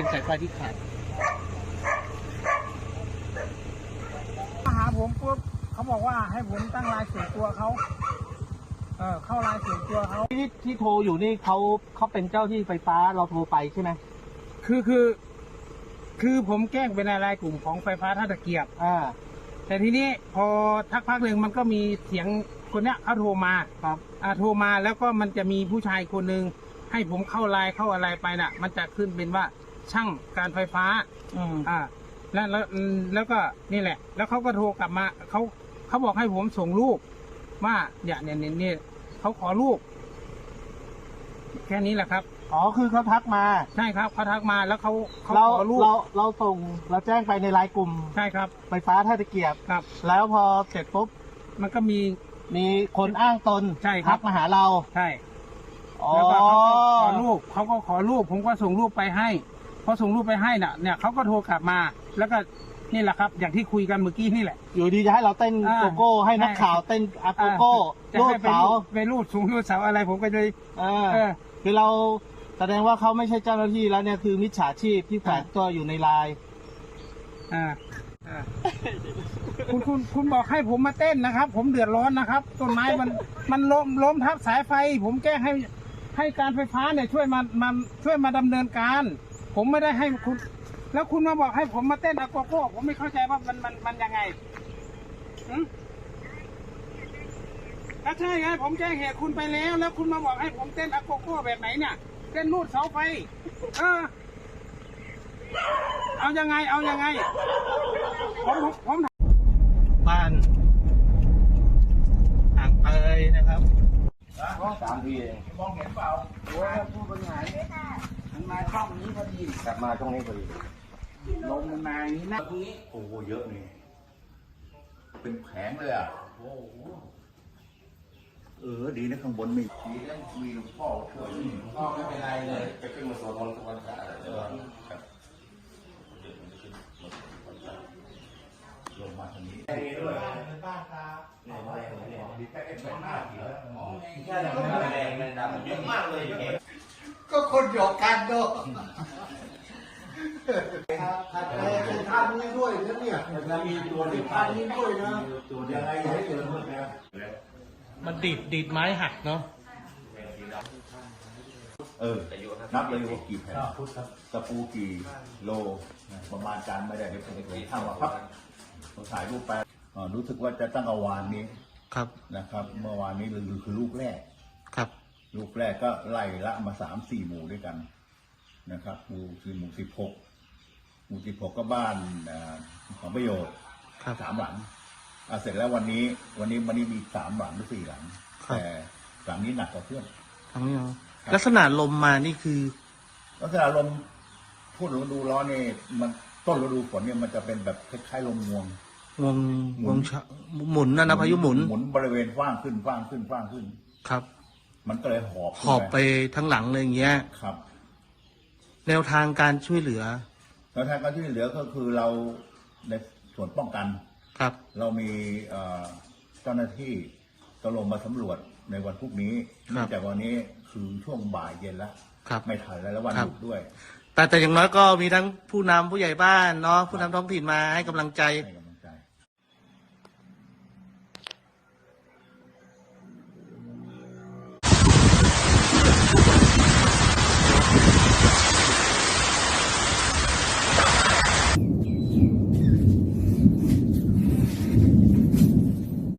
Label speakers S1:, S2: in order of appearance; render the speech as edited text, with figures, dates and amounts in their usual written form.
S1: เป็นสายไฟที่ขาด
S2: มาหาผมปุ๊บเขาบอกว่าให้ผมตั้งรายส่วนตัวเขาเข้ารายส่วนตัวเขา
S1: ที่โทรอยู่นี่เขาเป็นเจ้าที่ไฟฟ้าเราโทรไปใช่ไหม
S2: คือผมแจ้งเป็นรายกลุ่มของไฟฟ้าท่าตะเกียบแต่ทีนี้พอทักพักหนึ่งมันก็มีเสียงคนเนี้ยเขาโทรมา
S1: ครับ
S2: โทรมาแล้วก็มันจะมีผู้ชายคนหนึ่งให้ผมเข้าไลน์เข้าอะไรไปน่ะมันจะขึ้นเป็นว่าช่างการไฟฟ้าแล้วก็นี่แหละแล้วเขาก็โทรกลับมาเขาบอกให้ผมส่งรูปว่าเนี่ยเขาขอรูปแค่นี้แหละครับ
S1: อ๋อคือเขาทักมา
S2: ใช่ครับเขาทักมาแล้วเขาขอรูป
S1: เราส่งเราแจ้งไปในไลน์กลุ่ม
S2: ใช่ครับ
S1: ไฟฟ้าท่าตะเกียบ
S2: ครับ
S1: แล้วพอเสร็จปุ๊บ
S2: มันก็มี
S1: คนอ้างตน
S2: ใช่ครับ
S1: ทักมาหาเรา
S2: ใช่แล้วก็เขาขอรูปผมก็ส่งรูปไปให้พอส่งรูปไปให้น่ะเนี่ยเขาก็โทรกลับมาแล้วก็นี่แหละครับอย่างที่คุยกันเมื่อกี้นี่แหละ
S1: อยู่ดีจะให้เราเต้นโกโก้ให้นักข่าวเต้นโกโก้รูดเสา
S2: ไปรูดสูงรูดเสาอะไรผมก็เลย
S1: คือเราแสดงว่าเขาไม่ใช่เจ้าหน้าที่แล้วเนี่ยคือมิจฉาชีพที่แฝงตัวอยู่ในไลน์
S2: คุณบอกให้ผมมาเต้นนะครับผมเดือดร้อนนะครับต้นไม้มันล้มทับสายไฟผมแก้ให้การไฟฟ้าเนี่ยช่วยมาดำเนินการผมไม่ได้ให้คุณแล้วคุณมาบอกให้ผมมาเต้นอะโกโก้ผมไม่เข้าใจว่ามันยังไงก็ใช่ไงผมแจ้งเหตุคุณไปแล้วคุณมาบอกให้ผมเต้นอะโกโก้แบบไหนเนี่ยเต้นนูดเสาไฟเอายังไงผม
S1: บ้านอ่างเตยนะครับ3 ทีเอง
S2: มองเห็นเปล่าโอ้ยพูดเป็นไงมันมาช่องนี้พอดี
S1: กลับมาช่องนี้พอดี
S2: ลมมันมาอย่างนี้นะ
S3: ตรงนี้โอ้โหเยอะนี่เป็นแผงเลยอ่ะโอ้โหดีนะข้างบนมีแล้วมีหลวงพ่อช่วย
S2: พ่อไม่เป็นไรเลย
S3: ไปขึ้นมาสวดมนต์ทุกวันพระลงมาทางนี้ด้วย
S2: เป็นบ้านตา
S3: ดีแค่เป็นหน้าผีแล้ว
S2: แค่แบบแรงมันดำ
S3: เยอะมากเลย
S2: ก็คนหยอกกันด้วยท่านนี้ด้วยนะเนี่ย
S3: มีตัวที่
S2: ท่านนี้ด้วยนะ
S3: ยังไงให้เจอเมื่อกี้
S1: มันดีดไม้หักเนาะ
S3: นับเลยว่ากี่แผ่นตะปูกี่โลประมาณการไม่ได้เดี๋ยวผมจะทำว่าครับผมถ่ายรูปไปรู้สึกว่าจะตั้งเอาวานนี้
S1: ครับ
S3: นะครับเมื่อวานนี้คือลูกแรก
S1: ครับ
S3: ลูกแรกก็ไล่ละมา3-4 หมู่ด้วยกันนะครับหมู่16ก็บ้านของประโยชน์3 หลังเสร็จแล้ววันนี้มี3 หลังหรือ4 หลังแต่หลังนี้หนักกว่าเพื่อน
S1: ทางนี้ลักษณะลมมานี่คือ
S3: ลักษณะลมพูดฤดูร้อนนี่มันต้นฤดูฝนเนี่ยมันจะเป็นแบบคล้ายๆลมงวง
S1: หมุนนะพายุหมุ
S3: นบริเวณฟ้างขึ้น
S1: ครับ
S3: มันก็เลยห
S1: อบไปทั้งหลังเลยอย่างเงี้ย
S3: ครับ
S1: แนวทางการช่วยเหลือ
S3: ก็คือเราในส่วนป้องกัน
S1: ครับ
S3: เรามีเจ้าหน้าที่จะลงมาสำรวจในวันพรุ่งนี้แต่วันนี้คือช่วงบ่ายเย็นแล้วไม่ทันแล้ววันหยุดด้วย
S1: แต่อย่างน้อยก็มีทั้งผู้นำผู้ใหญ่บ้านเนาะผู้นำท้องถิ่นมาให้กำลังใจ